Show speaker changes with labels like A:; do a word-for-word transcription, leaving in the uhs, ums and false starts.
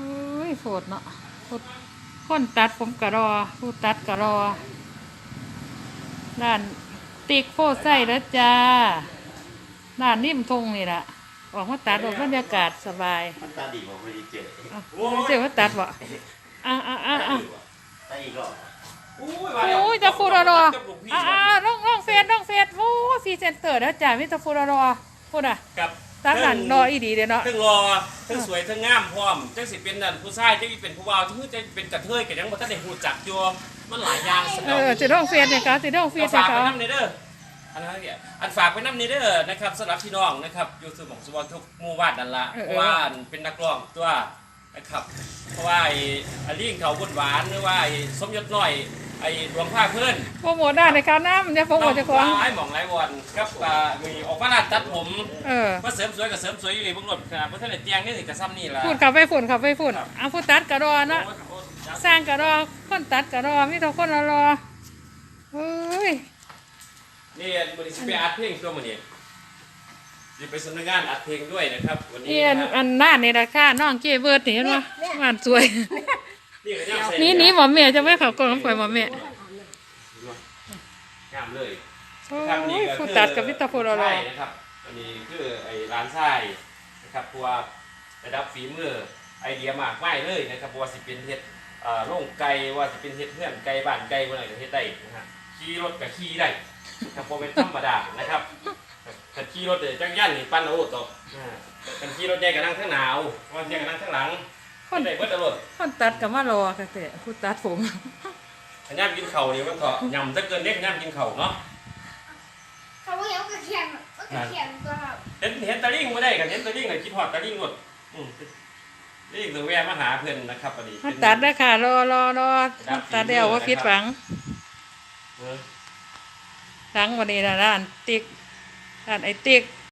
A: เฮ้ยโสดเนาะคนตัดผมกะรอผู้ตัดกะรอร้านติ๊กโฟไส้แล้วจ้าร้านนิ่มทงนี่แหละออกมาตัดออกบรรยากาศสบาย
B: มันตาดีบอกไม่ได้เจอ
A: เจอว่าตัดบ่อ่ะอ่ะอ่ะอ่ะ
B: ตาอีกรอบ
A: โอ้ยจะฟูรอรออ่ะอ่ะน้องน้องเฟสน้องเฟสโอ้ฟีเซนเตอร์แล้วจ้ามิตรฟูรอรอพูดอ่ะ
C: กับ
A: ตั้งหลังรออีดีเด้เนาะ
C: ทั้งรอทั้งสวยทั้งงามพร้อมจังสิเป็นนั่นผู้ชายจังสิเป็นผู้บ่าวจังจะเป็นกระเทยก็ยังบ่ทันได้ฮู้จักอยู่มันหลายอย่างสน
A: เอ
C: อง
A: อจะน้องเฟสเนี่ยเขาจะน้องเฟสเนี่ย
C: ฝาก
A: เขา
C: ไปนำในเด้ออันนั้นเนี่ยอันฝากไปนำในเด้อนะครับสำหรับพี่น้องนะครับอยู่สมองสมองทุกหมู่บ้านนั่นล่ะเพราะว่าเป็นนักร้องตัวนะครับเพราะว่าไอ้อลิงเขาบุญหวานหรือว่าไอ้สมยศน้อยไอ้ดวงผ้าเพื่อน
A: โปรโมทได้ในการน้ำเนี่ยโปรโมทจะของ
C: ไอ้หม่องไรวันกับมีออกมาลาดตัดผม
A: เออ
C: มาเสริมสวยกับเสริมสวยอยู่ในบุ้งรถขนาดเพราะท่านเตียงนี่สิกระซ้ำนี่แหละ
A: ฝุ่นขับไปฝุ่นขับไปฝุ่นเอาผู้ตัดกระรอนะสร้างกระรอคนตัดกระรอมีแต่คนละรอเฮ้ย
C: นี่วันนี้จะไปอัดเพลงตัวมันนี่จะไปสำนักงานอัดเพลงด้วยนะครับวันนี้
A: นี่อันหน้าในราคาน้องเก้เบิร์ดนี่เห็นไหมงานสวยนี่นี่หมอเมียจะไม่ขับกล่องข่อยหมอเมีย
C: งามเลย
A: โอ้ยผู้ตัดกับพิตาโฟรอรอ
C: นะครับอันนี้คือไอ้ร้านไส้นะครับเพราะว่าระดับฝีมือไอเดียมากไม่เลยนะครับว่าสิเป็นเฮ็ดโล่งไก่ว่าสิเป็นเฮ็ดเพื่อนไก่บ้านไก่วันไหนก็เฮ็ดได้นะฮะขี่รถกับขี่ได้ครับพอเป็นธรรมดานะครับถ้าขี่รถเดี๋ยวจักรยานนี่ปั้นเอาต่อกันขี่รถใหญ่ก็นั่งข้างหนาวว่าใหญ่ก็นั่งข้างหลังคนไหนเบิดตลอด
A: คนตัดกับมารอค่ะแต่ผู้ตัดผม
C: ขย้ำกินเข่านี่มันก็ยำถ้าเกินเด็กขย้ำกินเข่าเนาะ
D: เขาว่าเอากระเทียมเอากระเทียมตัวเรา
C: เห็นเห็นตะลิ่งมาได้กันเห็นตะลิ่งเลยคิดหอดตะลิ่งหมดนี่คือแวะมาหาเพื่อนนะครับพอดี
A: มาตัดได้ค่ะรอรอรอตัดเดียวว่าพิษฝังหลังวันนี้นะร้านติ๊กร้านไอติ๊ก